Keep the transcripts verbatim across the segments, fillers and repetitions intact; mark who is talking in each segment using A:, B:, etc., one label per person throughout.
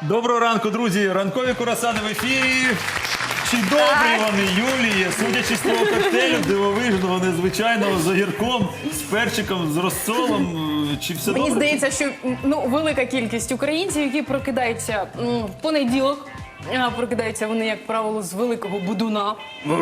A: Доброго ранку, друзі! Ранкові курасани в ефірі. Чи добрі вони, Юлії? Судячи з того коктейлю дивовижного, незвичайного, з огірком, з перчиком, з розсолом. Чи все
B: Мені
A: добре?
B: здається, що ну, велика кількість українців, які прокидаються м, в понеділок, а прокидаються вони, як правило, з великого будуна.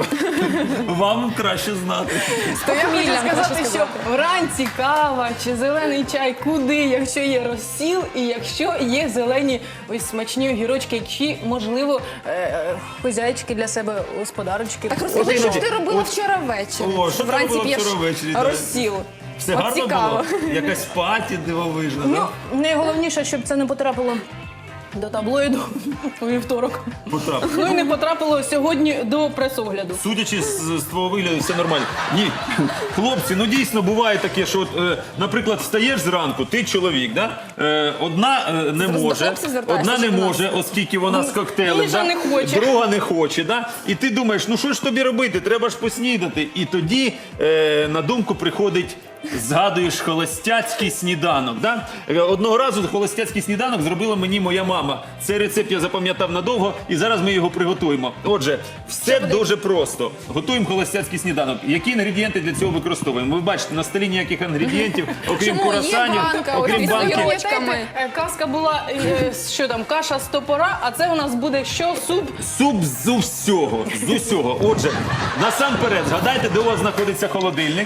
A: Вам краще знати.
B: То я хочу
C: Фаміліям
B: сказати,
C: краще
B: що
C: сказати.
B: вранці кава чи зелений чай куди, якщо є розсіл і якщо є зелені ось смачні огірочки, які, можливо, е, хозяйчики для себе, господарочки.
C: Так розкажи,
A: От
C: що
A: іноді-
C: ти робила
A: от-
C: вчора ввечері?
A: О, що ти
C: Вранці
A: робила
C: п'єш
A: вчора ввечері, да?
C: розсіл.
A: Все
C: От
A: гарно
C: цікаво.
A: було? Якась паті дивовижна,
B: Ну,
A: так?
B: найголовніше, щоб це не потрапило до таблоїду у вівторок.
A: Потрапив.
B: Ну і не потрапило сьогодні до прес-огляду.
A: Судячи з, з твого вигляду, все нормально. Ні, хлопці, ну дійсно буває таке, що, от, е, наприклад, встаєш зранку, ти чоловік, да? е, одна е, не
C: Зараз до
A: може,
C: хлопців звертаєшся,
A: одна не
C: чи до нас?
A: може, оскільки вона з коктейлем,
B: Інша
A: да?
B: не хоче.
A: друга не хоче, да? І ти думаєш, ну що ж тобі робити, треба ж поснідати. І тоді е, на думку приходить, згадуєш холостяцький сніданок. Да? Е, Одного разу холостяцький сніданок зробила мені моя мама. Цей рецепт я запам'ятав надовго, і зараз ми його приготуємо. Отже, все дуже просто. Готуємо холостяцький сніданок. Які інгредієнти для цього використовуємо? Ви бачите, на столі ніяких інгредієнтів, окрім
C: Чому? Є
A: курасанів,
C: банка,
A: окрім
C: ось
A: банки.
C: із огірочками.
B: Пам'ятаєте, е, казка була, е, що там, каша з топора, а це у нас буде що? Суп?
A: Суп з усього, з усього. Отже, насамперед, згадайте, де у вас знаходиться холодильник.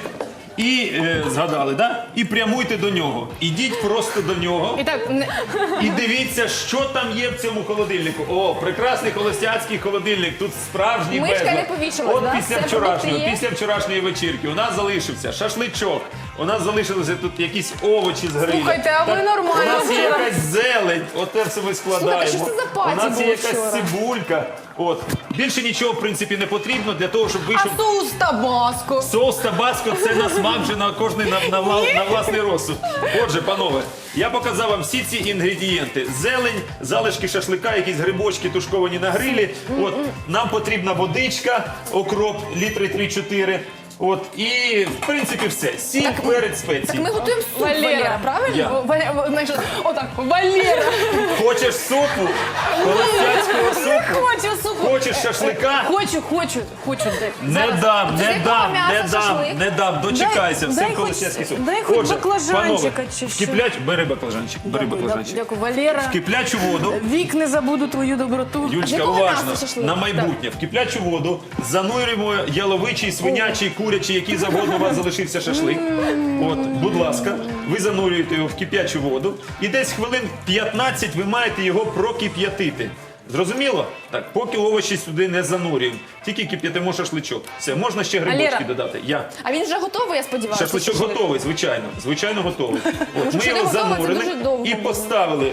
A: І е, згадали, да? І прямуйте до нього. Ідіть просто до нього
B: І так, не-
A: і дивіться, що там є в цьому холодильнику. О, прекрасний холостяцький холодильник. Тут справжній
C: Мишка
A: безлад.
C: не повішалась,
A: От
C: да?
A: після
C: Все
A: вчорашнього,
C: продукти є?
A: після вчорашньої вечірки у нас залишився шашличок. У нас залишилися тут якісь овочі з грилю.
B: Слухайте, а ви
A: Так,
B: нормально
A: У нас є
B: вчора.
A: якась зелень, оте все ми складаємо.
C: Слухайте, що це за паті
A: У нас є
C: було
A: якась
C: вчора?
A: цибулька. От. Більше нічого, в принципі, не потрібно для того, щоб
B: а
A: вийшов...
B: соус табаско.
A: Соус табаско – це на смак вже на кожний на, на, вла- на власний розсуд. Отже, панове, я показав вам всі ці інгредієнти. Зелень, залишки шашлика, якісь грибочки тушковані на грилі. От, нам потрібна водичка, окроп, літри три-чотири. От, і, в принципі, все. Сіль, перець, спеції.
C: Так ми готуємо суп,
B: Валера.
C: Валера, правильно?
A: Я.
B: О, Валя- Ва- знаєш, Отак, Валера,
A: Хочеш супу? Холостяцького супу?
B: хочу супу.
A: Хочеш шашлика?
B: Хочу, хочу, хочу. Дай.
A: Не
B: Зараз.
A: дам,
C: З
A: не
C: якого
A: дам,
C: м'яса
A: не дам,
C: шашлик?
A: не дам, дочекайся,
B: Дай-
A: все
B: дай хоч-
A: холостяцький суп.
B: дай хоч
A: Отже,
B: баклажанчика
A: панове,
B: чи
A: в
B: що.
A: киплять, бери баклажанчик, бери
B: Дякую,
A: баклажанчик.
B: Дякую, Валера.
A: В киплячу воду,
B: Вік не забуду твою доброту.
C: з
A: Юльчка,
C: якого
A: уважно,
C: м'яса шашлик?
A: на майбутнє, в киплячу воду занурюємо яловичий, свинячий, курячий, який завгодно у вас залишився шашлик. От, будь ласка, ви занурюєте його в кип'ячу воду і десь хвилин п'ятнадцять ви маєте його прокип'ятити. Зрозуміло? Так, поки овочі сюди не занурюємо, тільки кип'ятимо шашличок. Все, можна ще грибочки
B: Валера.
A: додати. Я.
C: А він вже готовий, я сподіваюся?
A: Шашличок
C: шашлик?
A: готовий, звичайно. Звичайно, готовий. От,
C: Може,
A: ми
C: що не
A: його
C: готовий, це
A: занурили
C: дуже довго
A: і
C: буде.
A: поставили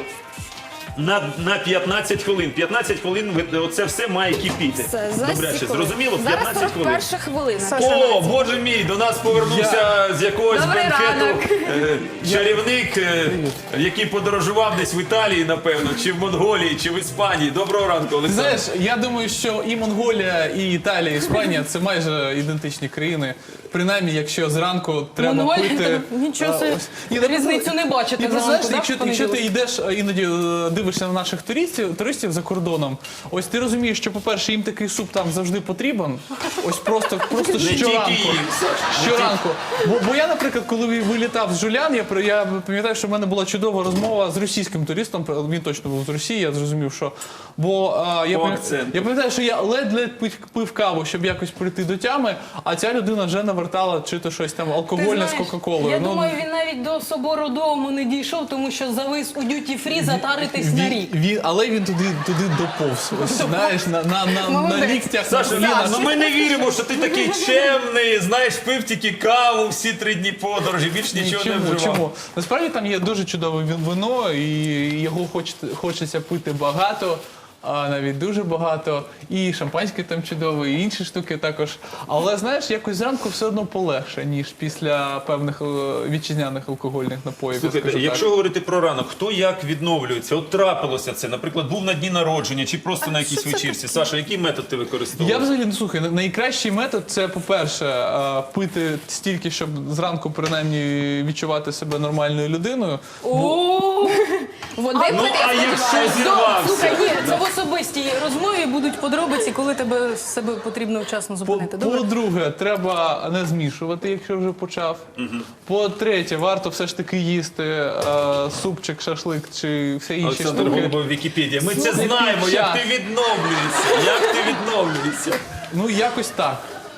A: на, на п'ятнадцять хвилин. п'ятнадцять хвилин ви- оце все має кипіти.
C: Все, за
A: Добряче,
C: секунду.
A: зрозуміло?
C: Зараз
A: п'ятнадцять
C: сорок
A: хвилин.
C: перша хвилина.
A: О, боже мій, до нас повернувся з якогось
B: Добрий
A: бенкету
B: ранок.
A: е, чарівник, е, який подорожував десь в Італії, напевно, чи в Монголії, чи в Іспанії. Доброго ранку, Олександр.
D: Знаєш, я думаю, що і Монголія, і Італія, і Іспанія це майже ідентичні країни. Принаймні, якщо зранку треба
B: Монголія,
D: пити.
B: та нічого
D: а,
B: собі.
D: ось. Ні, ну,
B: Різницю
D: просто-
B: не бачите
D: Ні, просто,
B: зранку,
D: знаєш,
B: да,
D: якщо,
B: в
D: якщо ти
B: понеділок?
D: йдеш а, іноді е, дивишся на наших туристів, туристів за кордоном, ось ти розумієш, що, по-перше, їм такий суп там завжди потрібен. Ось просто, просто
A: Не тільки
D: щоранку.
A: їм, Саш, не
D: Щоранку. Бо, бо я, наприклад, коли вилітав з Жулян, я, при- я пам'ятаю, що в мене була чудова розмова з російським туристом. Він точно був з Росії, я зрозумів, що. Бо а, я,
A: По
D: пам'ят-
A: акценту.
D: я пам'ятаю, що я ледь-ледь пив, пив каву, щоб якось прийти до тями, а ця людина вже навертала чи то щось там
B: Ти
D: алкогольне
B: знаєш,
D: з Кока-Колою.
B: Я
D: Ну,
B: думаю, він навіть до собору дому не дійшов, тому що завис у дюті-фрі затаритись на
D: він,
B: рік.
D: він, але він туди, туди доповз. Ось, знаєш, на, на, на, на
B: Молодець.
D: ліктях, на
A: Саша,
D: колінах.
A: ну ми не віримо, що ти такий чемний, знаєш, пив тільки каву всі три дні подорожі, більш нічого не
D: Чому?
A: вживав.
D: Чому? Насправді там є дуже чудове він- вино, і його хоч, хочеться пити багато, а навіть дуже багато. І шампанське там чудове, і інші штуки також. Але знаєш, якось зранку все одно полегше, ніж після певних е, вітчизняних алкогольних напоїв. я
A: Слухайте,
D: скажу
A: якщо
D: так.
A: говорити про ранок, хто як відновлюється? От трапилося це, наприклад, був на дні народження чи просто на якійсь вечірці. Саша, який метод ти використовуєш?
D: Я взагалі, ну, слухай, найкращий метод це, по-перше, е, пити стільки, щоб зранку принаймні відчувати себе нормальною людиною.
B: О,
C: Води
B: А,
C: пити,
A: Ну,
C: я
A: а якщо
C: сподіваюся.
A: зірвався?
B: Слухай, ні, це в особистій розмові будуть подробиці, коли тебе себе потрібно вчасно
D: По-
B: зупинити. Добре?
D: По-друге, треба не змішувати, якщо вже почав. По-третє, варто все ж таки їсти е, супчик, шашлик чи все інші
A: Олександр
D: штуки.
A: Голубов, Вікіпедія. Ми це
D: Слухай,
A: знаємо,
D: під
A: як
D: час.
A: ти відновлюєшся. Як ти відновлюєшся.
D: Ну, якось так.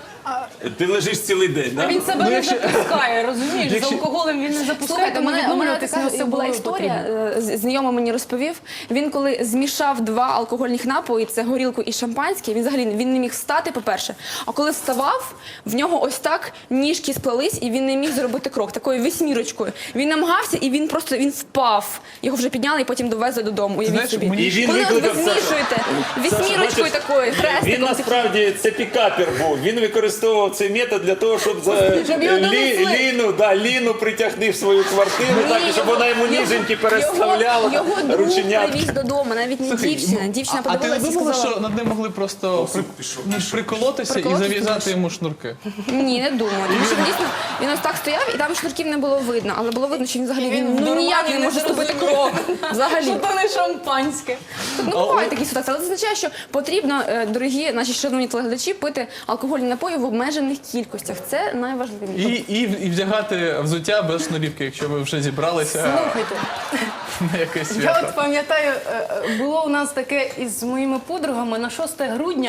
A: Ти лежиш цілий день,
B: А
A: так?
B: він себе
D: Ну,
B: не
D: якщо-
B: запускає, розумієш?
D: Якщо-
B: З алкоголем він не запускає,
C: Слухайте, у
B: тому
C: мене, у мене
B: відновлюватись не
C: така була
B: особливо
C: історія,
B: потрібно.
C: е, з- знайомий мені розповів. Він коли змішав два алкогольних напої, це горілку і шампанське, він взагалі він не міг встати, по-перше. А коли вставав, в нього ось так ніжки сплелись, і він не міг зробити крок, такою вісьмірочкою. Він намагався, і він просто він впав. Його вже підняли і потім довезли додому. Уявіть
D: Знаєш,
C: собі.
D: мені-
A: І він
C: Коли от ви
A: викликав Сашу.
C: змішуєте
A: Саша,
C: вісьмірочкою
A: бачиш,
C: такою,
A: Він
C: хрестиком.
A: насправді це пікапер був. Він використовував цей метод для того, щоб за
B: Щоб його
A: лі,
B: донесли.
A: Ліну, да, Ліну притягни в свою квартиру, так, і щоб вона йому ніженьки переставляла
C: Його, його друг
A: рученятки.
C: привіз додому, навіть не
D: Слухай,
C: дівчина.
D: ну,
C: Дівчина
D: а, а ти не
C: подивилася і
D: думала,
C: сказала,
D: що над ним могли просто при, ну, приколотися і
C: Приколотися,
D: зав'язати
C: думаєш?
D: йому шнурки?
C: ні, не думаю. Тому що він дійсно він ось так стояв, і там шнурків не було видно, але було видно, що він взагалі
B: Він
C: він,
B: в
C: ну, ніяк
B: нормальній
C: не може
B: незрозумілій.
C: ступити крок. Взагалі.
B: Що то не шампанське.
C: Ну, бувають такі ситуації, але це означає, що потрібно, е, дорогі наші шановні телеглядачі, пити алкогольні напої в обмежених кількостях. Це найважливіше.
D: І, і, і вдягати взуття без шнурівки, якщо ви вже зібралися
B: Слухайте,
D: на якесь
B: я
D: свято.
B: от пам'ятаю, е, е, було у нас таке із моїми подругами на шосте грудня.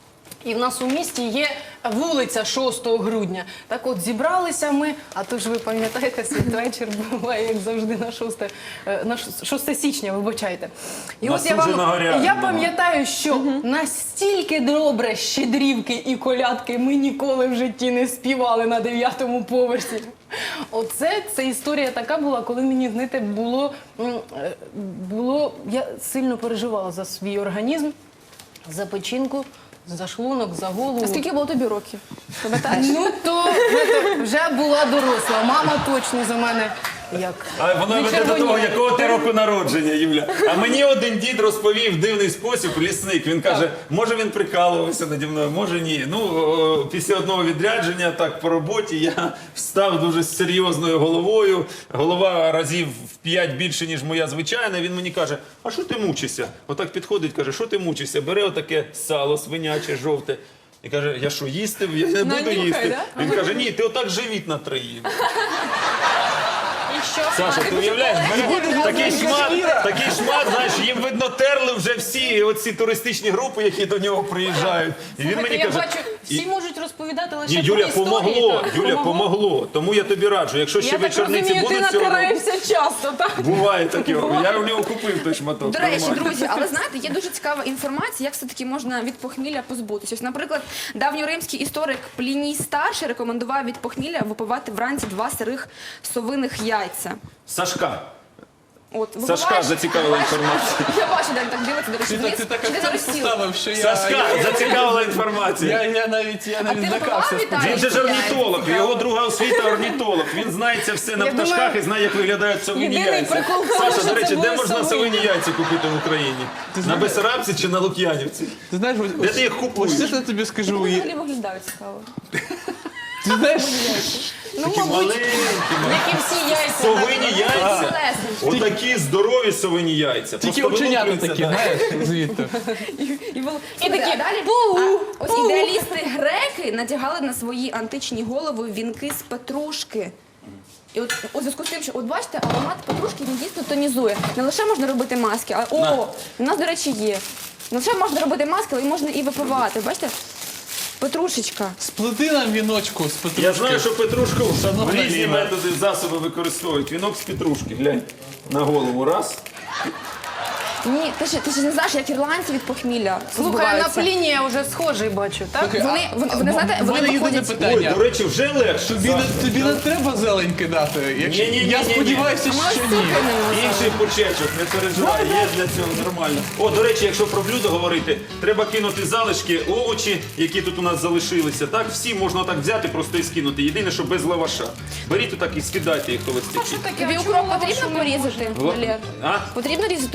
B: І в нас у місті є вулиця шостого грудня. Так от зібралися ми, а то ж ви пам'ятаєте, святвечір буває, як завжди, на шосте, е, на шосте січня, вибачайте. І
A: Нас
B: от я
A: уже
B: вам,
A: нагоряли,
B: я
A: мама.
B: пам'ятаю, що настільки добре щедрівки і колядки ми ніколи в житті не співали на дев'ятому поверсі. Оце це історія така була, коли мені, знаєте, було, м, е, було, я сильно переживала за свій організм, за печінку, за шлунок, за голову.
C: А скільки було тобі років? Пам'ятаєш?
B: Ну то знаєте, вже була доросла. Мама точно за мене як.
A: А воно
B: не
A: веде до того,
B: червоніла.
A: якого ти року народження, Юля. А мені один дід розповів дивний спосіб, лісник. Він каже, може він прикалувався наді мною, може ні. Ну, о, після одного відрядження, так, по роботі, я встав дуже з серйозною головою. Голова разів в п'ять більше, ніж моя звичайна. Він мені каже, а що ти мучишся? Отак підходить, каже, що ти мучишся? Бере отаке сало свиняче, жовте. І каже, я що, їсти? Я не буду
B: Нанюхай,
A: їсти.
B: да?
A: Він каже, ні, ти отак живіт натриїв.
B: І що?
A: Саша, ти уявляєш, бере такий шмат, такий шмат, знаєш, їм видно терли вже всі оці туристичні групи, які до нього приїжджають. І він
B: Слухайте,
A: мені
B: я
A: каже,
B: бачу, всі
A: і-
B: можуть розповідати лише
A: ні,
B: про
A: Юля,
B: історії.
A: помогло,
B: так.
A: Юля, помогло. Тому я тобі раджу, якщо ще
B: Я так
A: вечорниці
B: розумію, ти
A: будуть цього року,
B: натираєшся часто, так?
A: буває таке. Я в нього купив той шматок.
C: До речі,
A: нормально.
C: друзі, але знаєте, є дуже цікава інформація, як все-таки можна від похмілля позбутися. Ось, наприклад, давньоримський історик Пліній Старший рекомендував від похмілля випивати вранці два сирих совиних яйця.
A: Сашка,
C: От,
A: Сашка
C: випиваєш-
A: зацікавила інформація.
C: Я бачу, де він так дивиться, до речі,
D: Ти,
C: вниз.
D: так- ти так
C: Чи ти
D: акцент
C: заростів?
D: поставив, що я,
A: Сашка,
D: я,
A: зацікавила
D: я,
A: інформація.
D: я навіть, я
C: А
D: навіть
C: ти
D: злякався.
C: випивав, Віталій?
A: Він же ж
C: Яйця,
A: орнітолог,
C: цікаво.
A: його друга освіта орнітолог. Він знається все на
B: Я
A: пташках
B: думаю,
A: і знає, як виглядають совині
B: єдиний
A: яйця.
B: прикол в тому,
A: Саша,
B: що
A: до речі,
B: це
A: де
B: були
A: можна
B: совині.
A: совині яйця купити в Україні? На
D: знаєш-
A: Бесарабці чи на Лук'янівці?
D: Ти знаєш, ось,
A: Де ти їх купуєш?
D: ось чесно тобі скажу,
C: Вони
D: і-
C: взагалі виглядають цікаво.
D: ти знаєш,
B: Ну,
A: Такі
B: мабуть,
A: маленькі,
B: як і всі яйця.
A: совині яйця.
C: Тілесні.
A: Отакі здорові совині яйця.
D: тільки
A: Просто
D: оченята
A: вилуплюються,
D: такі,
A: да.
D: знаєш, звідти.
C: І, і, було-
B: І
C: Слухайте,
B: такі,
C: а далі
B: «Пу,
C: а, ось
B: пу».
C: ідеалісти греки надягали на свої античні голови вінки з петрушки. І от у зв'язку з тим, що от бачите, аромат петрушки він дійсно тонізує. Не лише можна робити маски, а о, у нас, до речі, є. Не лише можна робити маски, але й можна і випивати. Бачите? Петрушечка.
D: Сплети нам віночку з петрушки.
A: Я знаю, що петрушку
D: Шановна
A: різні
D: Ліна.
A: методи, засоби використовують. Вінок з петрушки, глянь, на голову раз.
C: Ні, ти ж ти ж не знаєш, як ірландці від похмілля
B: Слухай, на
C: позбуваються.
B: Плінія вже схожий бачу, так?
D: Слухай,
C: Вони,
D: а-
C: вони,
D: а
C: вони
D: в-
C: знаєте,
D: в
C: вони
D: мене єдине
C: виходять...
A: Ой,
D: питання.
A: до речі, вже легше.
D: Тобі не, тобі не треба зелень кидати? Якщо...
A: Ні-ні-ні-ні-ні.
D: Я сподіваюся,
C: А ми
D: що
C: ось
D: ні.
C: цукринемо.
A: Інший почечок, не переживай, є для цього нормально. О, до речі, якщо про блюдо говорити, треба кинути залишки, овочі, які тут у нас залишилися. Так, всі можна так взяти, просто і скинути. Єдине, що без лаваша. Беріть отак і скидайте їх холостячі.
B: Що таке?
C: Тобі
B: А
C: укроп
B: чому
C: потрібно
B: лавашу не
C: порізати,
A: Во-
C: Валер?
A: А?
C: Потрібно різати укроп тобі?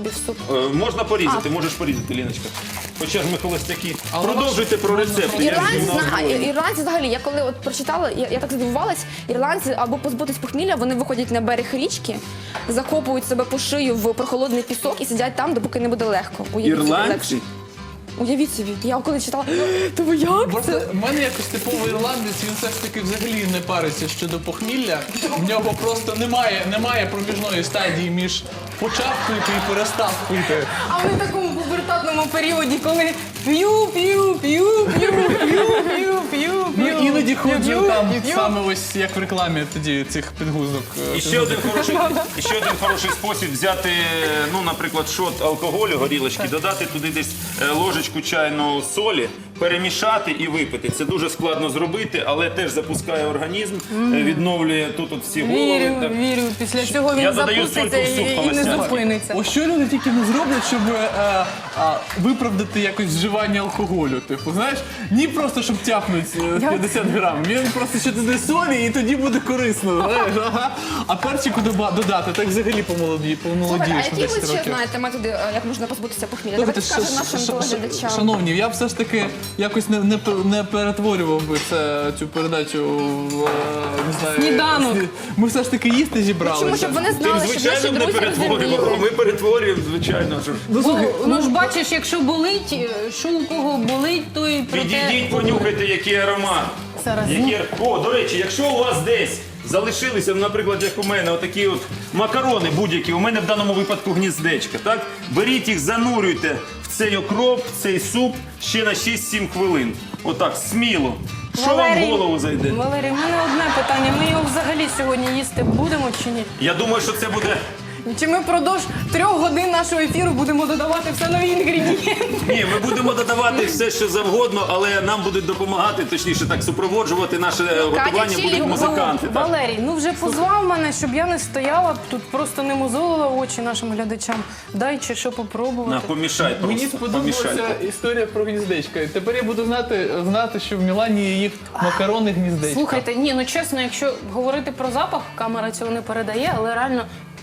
C: собі в суп.
A: Е, Можна порізати, можеш порізати, Ліночка. Хоча ж ми холостяки.
D: Але
A: Продовжуйте про рецепти. я
C: Ірландці,
A: ж
C: зна-
A: знаю.
C: ірландці взагалі, я коли от прочитала, я, я так здивувалась, ірландці або позбутись похмілля, вони виходять на берег річки, закопують себе по шию в прохолодний пісок і сидять там, допоки не буде легко. Уявіть собі,
A: Ірландці?
C: легше. Уявіть собі, я коли читала, то ви як
D: Просто
C: це?
D: в мене якось типовий ірландець, він все ж таки взагалі не париться щодо похмілля. В нього просто немає, немає проміжної стадії між почав пити і перестав пити.
B: А ми в такому пубертатному періоді, коли п'ю, п'ю, п'ю, п'ю, п'ю, п'ю, п'ю,
D: Ну
B: п'ю,
D: іноді
B: п'ю,
D: ходжу
B: п'ю,
D: там
B: п'ю.
D: саме ось як в рекламі тоді цих підгузок. е,
A: І ще один хороший, і ще один хороший спосіб взяти, ну, наприклад, шот алкоголю, горілочки, додати туди десь е, ложечку чайної солі, перемішати і випити. Це дуже складно зробити, але теж запускає організм, е, відновлює тут от всі голови.
B: Вірю,
A: так.
B: вірю. Після цього він
A: Я додаю
B: запуститься
A: сольку в суп
B: і, і не
A: холостяцький.
B: зупиниться.
D: Ось що люди тільки не зроблять, щоб е, а, виправдати якось вживання алкоголю. Типу, знаєш, ні просто щоб тяпнуть е, п'ятдесят грам. Він просто ще туди солі і тоді буде корисно. Знаєш, ага. А перчику доба- додати, так взагалі помолоді,
C: Слухайте, а
D: помолодієш на
C: які ви
D: десять
C: ще
D: років.
C: знаєте методи, е, як можна позбутися похмілля?
D: Слухайте,
C: Давайте скажемо
D: ш-
C: нашим
D: ш- ш-
C: телеглядачам.
D: Шановні, я б все ж таки якось не, не, пер- не перетворював би це, цю передачу в, е, не знаю...
B: Сніданок.
D: сні- Ми все ж таки їсти зібралися.
C: Чому, щоб вони
A: Тим,
C: знали, що наші
A: звичайно, не
C: друзі
A: перетворюємо.
C: розуміли.
A: Ми перетворюємо, звичайно. Що ж.
D: Ну, слухай,
B: Ну, ну ж бачиш, якщо болить, е, що у кого болить, то і про те...
A: Підійдіть, понюхайте, який аромат.
B: Зараз.
A: Які... О, до речі, якщо у вас десь залишилися, наприклад, як у мене, отакі от макарони будь-які, у мене в даному випадку гніздечка, так? Беріть їх, занурюйте в цей окроп, в цей суп ще на шість-сім хвилин. Отак, сміло. Що вам в голову зайде?
B: Валерій, в мене одне питання. Ми його взагалі сьогодні їсти будемо чи ні?
A: Я думаю, що це буде...
B: Чи ми впродовж трьох годин нашого ефіру будемо додавати все нові інгредієнти?
A: Ні, ми будемо додавати все, що завгодно, але нам будуть допомагати, точніше так, супроводжувати наше готування
C: Чілі,
A: будуть музиканти. так.
B: Валерій, ну вже позвав мене, щоб я не стояла тут, просто не мозолила очі нашим глядачам. Дай чи що
A: На,
B: попробувати.
A: помішай
D: Мені
A: просто,
D: сподобалася
A: помішай.
D: історія про гніздечка. І тепер я буду знати, знати, що в Мілані їх макарони гніздечка.
B: Слухайте, ні, ну чесно, якщо говорити про запах, камера цього не передає, але реально.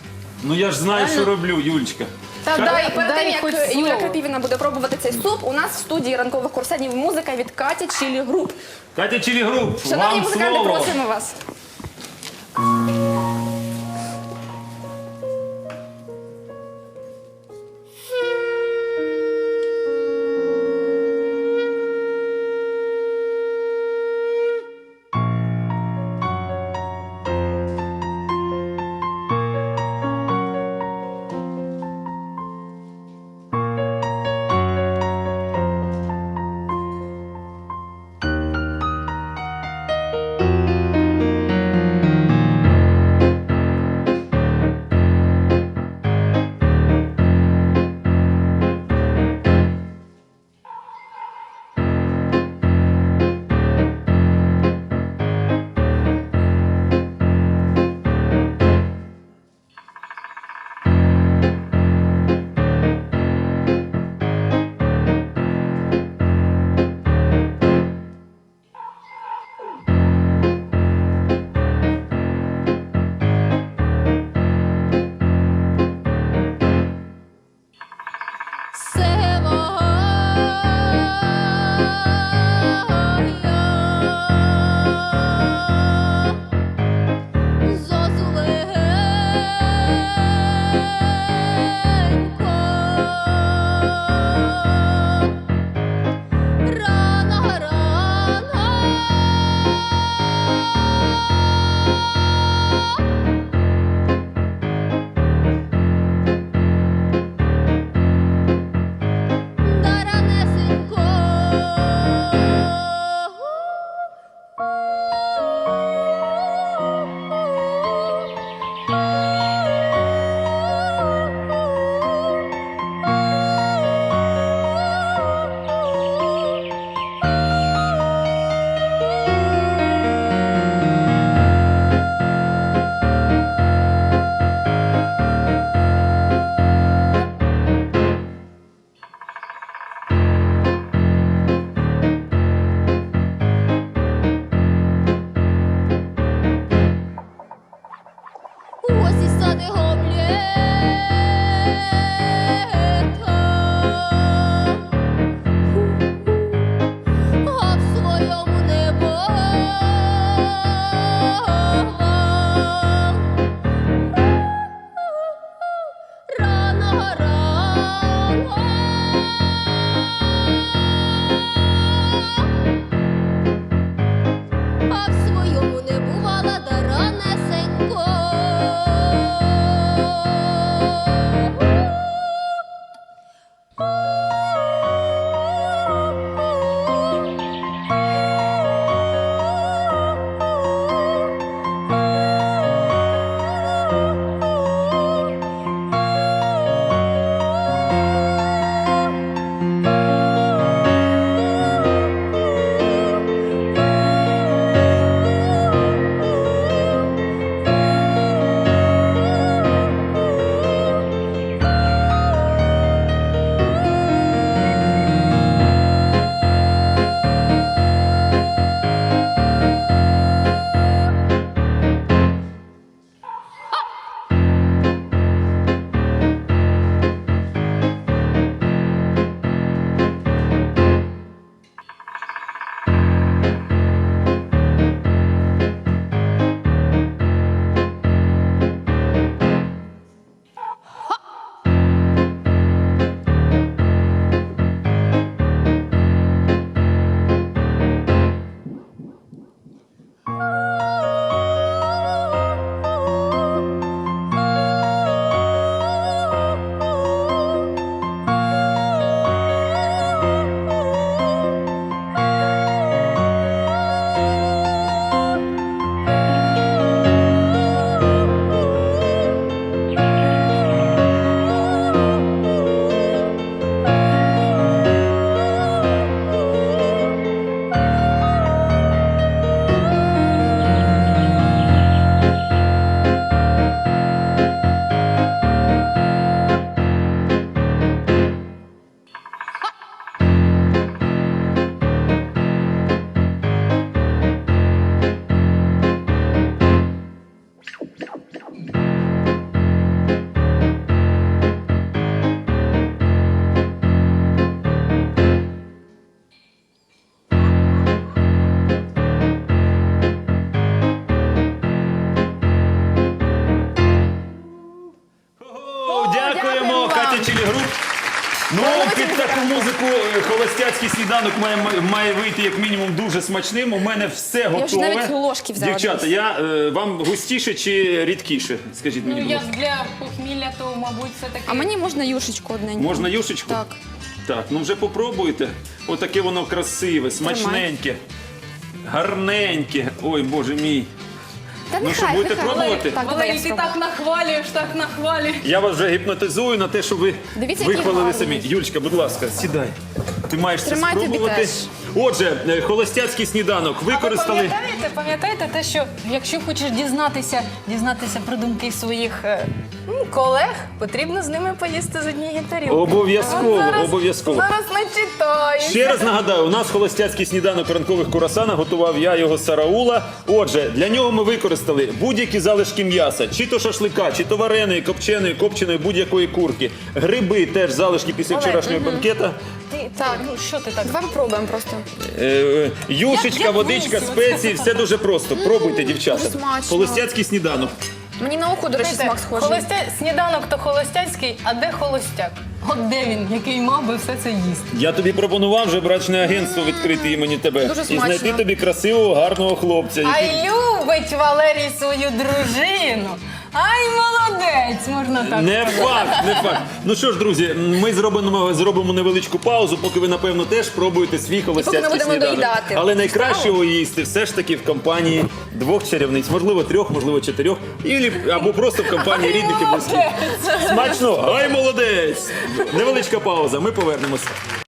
A: Ну я ж знаю, що роблю, Юлечка.
B: Та
C: Дай,
B: дай,
C: перед
B: дай
C: тим,
B: хоч
C: як Юля
B: слово.
C: Крапівіна буде пробувати цей суп, у нас в студії ранкових курсанів музика від Каті Чілі Груп.
A: Катя Чилігруп,
C: Шановні
A: вам
C: музиканти,
A: слово.
C: просимо вас.
A: Ну, під таку музику е, холостяцький сніданок має, має вийти як мінімум дуже смачним. У мене все готове.
C: вже навіть ложки взяла
A: Дівчата,
C: десь.
A: я, е, вам густіше чи рідкіше? Скажіть мені,
B: Ну,
A: будь
B: як
A: ласка.
B: для похмілля, то, мабуть, все таки.
C: А мені можна юшечку одненьку.
A: Можна юшечку?
C: Так.
A: Так, ну вже попробуйте. Отаке воно красиве, смачненьке, гарненьке. Ой, боже мій.
C: Та
A: Ну
C: нехай,
A: що, будете
C: нехай.
A: пробувати?
C: Так, давай я
B: Валерій, ти
C: спробую.
B: так нахвалюєш, так нахвалюєш.
A: Я вас вже гіпнотизую на те, що ви
C: Дивіться, який
A: вихвалили
C: гарний.
A: самі. Юльчка, будь ласка, сідай. Ти маєш це
C: Тримай тобі
A: спробувати.
C: теж.
A: Отже, е, холостяцький сніданок
B: А ви
A: використали.
B: пам'ятаєте, пам'ятаєте те, що якщо хочеш дізнатися, дізнатися про думки своїх е, м, колег, потрібно з ними поїсти з однієї тарілки.
A: Обов'язково,
B: От зараз-
A: обов'язково.
B: Зараз начитаюся.
A: Ще раз нагадаю, у нас холостяцький сніданок ранкових курасана готував я, його Сараула. Отже, для нього ми використали будь-які залишки м'яса, чи то шашлика, чи то вареної, копченої, копченої, будь-якої курки. Гриби теж залишки після
B: Олег,
A: вчорашнього банкета.
B: Ти, так, ну що ти так?
C: Давай попробуємо просто.
A: Е, е, Юшечка,
B: Як- як
A: водичка,
B: висів.
A: спеції, все дуже просто. Пробуйте, дівчата.
C: дуже смачно.
A: Холостяцький сніданок.
C: Мені на око, до речі, смак схожий.
B: Холостя... Сніданок то холостяцький, а де холостяк? От де він, який мав би все це їсти?
A: Я тобі пропонував вже брачне агентство відкрити імені тебе.
C: Дуже
A: І
C: смачно.
A: знайти тобі красивого, гарного хлопця.
B: А
A: який-
B: любить Валерій свою дружину. Ай, молодець, можна так
A: Не
B: сказати.
A: факт, не факт. Ну що ж, друзі, ми зробимо, зробимо невеличку паузу, поки ви, напевно, теж пробуєте свій холостяцький
C: будемо
A: сніданок.
C: доїдати.
A: Але найкраще його їсти все ж таки в компанії двох чарівниць, можливо, трьох, можливо, чотирьох, і, або просто в компанії рідних і близьких. Смачно! Ай, молодець! Невеличка пауза, ми повернемося.